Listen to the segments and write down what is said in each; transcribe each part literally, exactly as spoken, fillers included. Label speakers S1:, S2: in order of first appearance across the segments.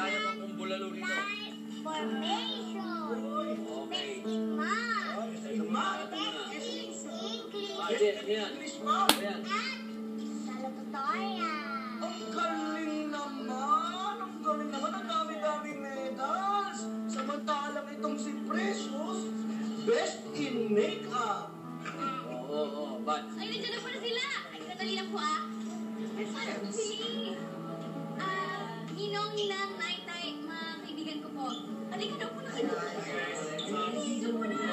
S1: Yaya ka kung bulalo rito.
S2: Formation.
S1: Okay.
S2: Best in math.
S1: Best in math.
S2: Best in English.
S1: Ah, yan, yan.
S3: English, ma'am.
S1: Yan.
S2: At salutatorial.
S3: Ang galing naman! Ang galing naman! Ang dami-daming medals! Samantalang itong si Precious, best in makeup!
S1: Oo, oo, oo. But,
S2: Ay, nandiyan na pala sila. Ay, sandali lang po ah. Ano si... Ah, Ninong, Ninang, Nay, Tay, mga kaibigan ko po. Halika daw po na kayo. Dito po na.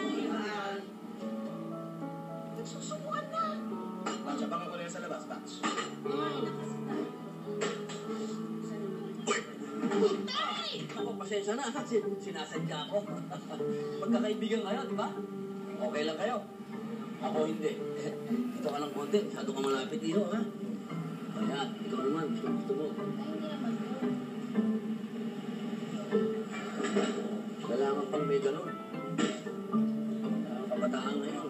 S3: Nagsusubuan na! Batch, abangan ko na yan sa labas, Batch.
S2: Ay, nakasita. Tay!
S1: ako, pasensya na. Sin- Sinasadya ko. Magkakaibigan kayo, di ba? Okay lang kayo. Ako hindi. Ito ka ng konti. Masyado ka malapit iyo, ha? Kaya, ikaw naman. Gusto, gusto mo.
S2: Ay, hindi naman po.
S1: Kailangan pang may ganun. Kailangan kabataan ngayon.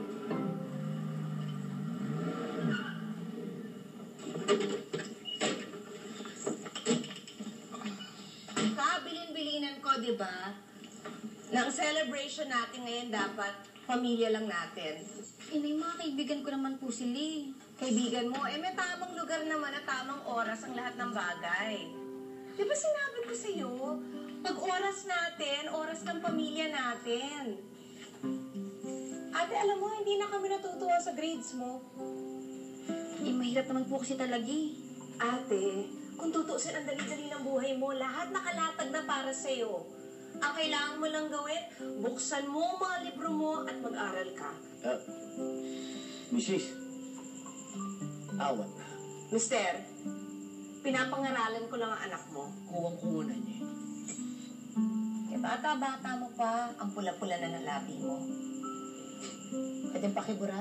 S4: Kabilin-bilinan ko, di ba? Nang celebration natin ngayon, dapat pamilya lang natin.
S2: Eh, may mga kaibigan ko naman po sila eh.
S4: Kaibigan mo, eh may tamang lugar naman at tamang oras ang lahat ng bagay. Di ba sinabi ko sa'yo, pag oras natin, oras ng pamilya natin. Ate, alam mo, hindi na kami natutuwa sa grades mo.
S2: Eh, mahirap naman po kasi talaga eh.
S4: Ate, kung tutuusin ang dali-dali ng buhay mo, lahat nakalatag na para sa'yo. Ang kailangan mo lang gawin, buksan mo ang mga libro mo at mag-aral ka.
S5: Uh, Missus, awat na.
S4: Mister, pinapangaralan ko lang ang anak mo.
S1: Kuwang-kuwa na niya.
S4: Eh, bata-bata mo pa, ang pula-pula na ng labi mo. Pwede pakibura?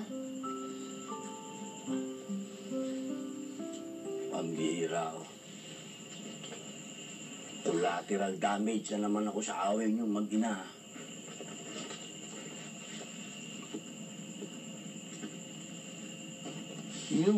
S5: Pambihira ako. Collateral damage na naman ako sa away niyong mag-ina. Yung...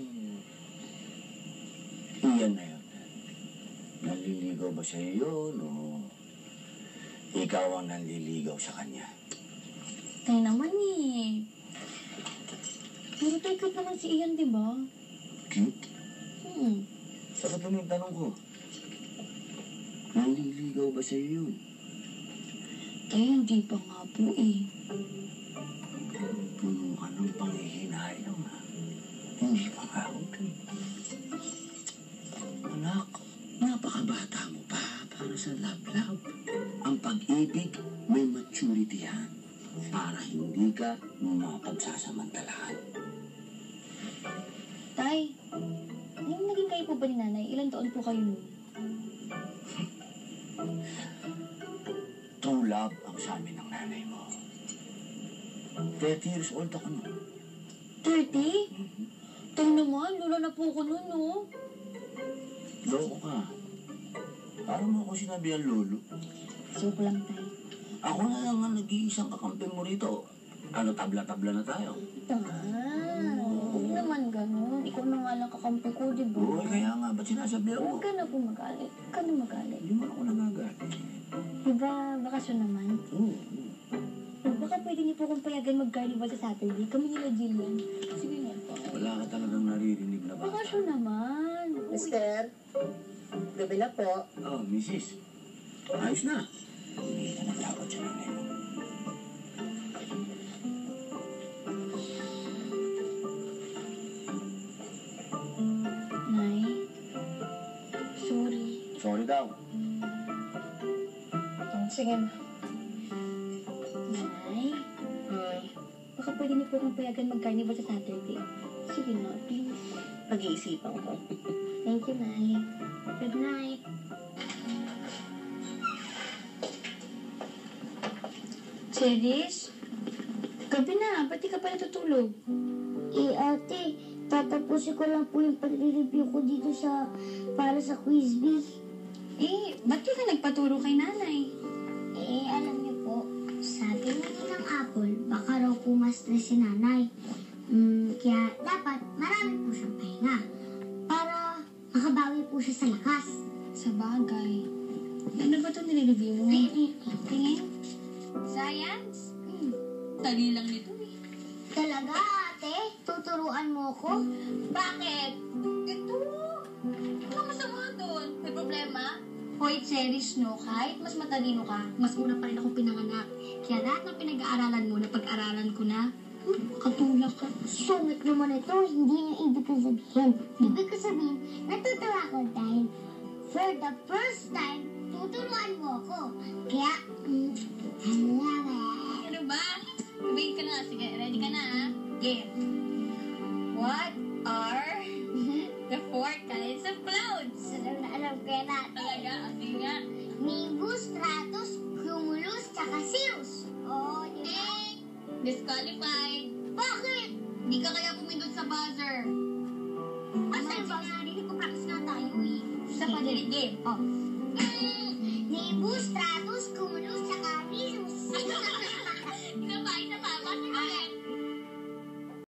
S5: Iyan na yun. Naliligaw ba sa iyo yun o ikaw ang naliligaw sa kanya?
S2: Tayo naman eh. Pero tayo cute naman si Ian, di ba?
S5: Cute?
S2: Hmm.
S5: Sakat naman yung tanong ko. Naliligaw ba sa iyo yun?
S2: Tayo hindi pa nga po eh.
S5: Puno ka ng panghihinayang ha. Hindi pa nga ako. Anak, napakabata mo pa para sa love-love. Ang pag-ibig may maturity yan para hindi ka mapagsasamantalahan.
S2: Tay, yung naging kayo po ba ni nanay? Ilan taon po kayo nun?
S5: True love ang sa amin ng nanay mo. thirty years old ako nun.
S2: thirty? Tayo naman, lula na po ako nun, no?
S5: Loko ka. Parang mo ako sinabi ang lolo.
S2: Joke lang, tay.
S5: Ako na lang ang nag-iisang kakampi mo rito. Ano, tabla-tabla na tayo.
S2: Ah, huwag naman ganun. Ikaw na nga lang kakampi ko, di ba?
S5: Oo, kaya nga, ba't sinasabihan mo?
S2: Huwag ka na po magalit. Huwag ka na magalit.
S5: Hindi mo ako nagagalit.
S2: Di ba, bakasyon naman?
S5: Oo.
S2: O, baka pwede niyo po kong payagan mag-carnival sa Saturday. Kami nila Jillian. Sige nga po.
S5: Wala ka talagang naririnig na bata.
S2: Bakasyon naman.
S4: Mister, gabi na po.
S5: Oh, misis. Ayos na. Hindi ka nagtawad sa nanay mo.
S2: Nay, sorry.
S5: Sorry daw.
S4: Sige na.
S2: Nay,
S4: Hmm.
S2: baka pwede niyo po kong payagan mag-carnival sa Saturday. Sige na, please.
S4: Pag-iisipan ko.
S2: Thank you, Nay. Good night. Cheris? Gabi na, ba't di ka pa natutulog?
S6: Eh, ate, tatapusin ko lang po yung pag-review ko dito sa, para sa quiz bee.
S2: Eh, ba't di ka nagpaturo kay nanay?
S6: Eh, alam niyo po, sabi nga ng Apple, baka raw po ma-stress si nanay. Mm, kaya dapat marami po siyang pahinga para makabawi po siya sa lakas.
S2: Sa bagay.
S7: Ano ba ito nire-review mo?
S6: Ay, ay, tingin.
S2: Science?
S6: Hmm.
S2: Dali lang nito eh.
S6: Talaga, ate? Tuturuan mo ko?
S2: Bakit? Ito. Ano masama doon? May problema? Hoy, Cherish, no? Kahit mas matalino ka, mas una pa rin ako pinanganak. Kaya lahat ng pinag-aaralan mo, napag-aralan ko na, hmm, katulak ka.
S6: Sungit naman ito, hindi yung ibig ko sabihin. Ibig ko sabihin, natutuwa ko dahil for the first time, tuturuan mo ako. Kaya, mm, I love it.
S2: Ano ba? Wait ka na. Sige, ready ka na, ha? Game. What are the four kinds of clouds?
S6: Alam na alam ko yan ate.
S2: Talaga? Ate nga.
S6: Nimbus, stratus, cumulus, tsaka cirrus. Oo, di ba?
S2: Eh, disqualified.
S6: Bakit?
S2: Hindi ka kaya pumindot sa buzzer.
S6: Asan ba? Narinig ko practice nga tayo eh.
S2: Sa padali game. Oh.
S6: Mm, Nimbus, stratus, cumulus, tsaka cirrus.
S2: Isa pa, isa pa. Bakit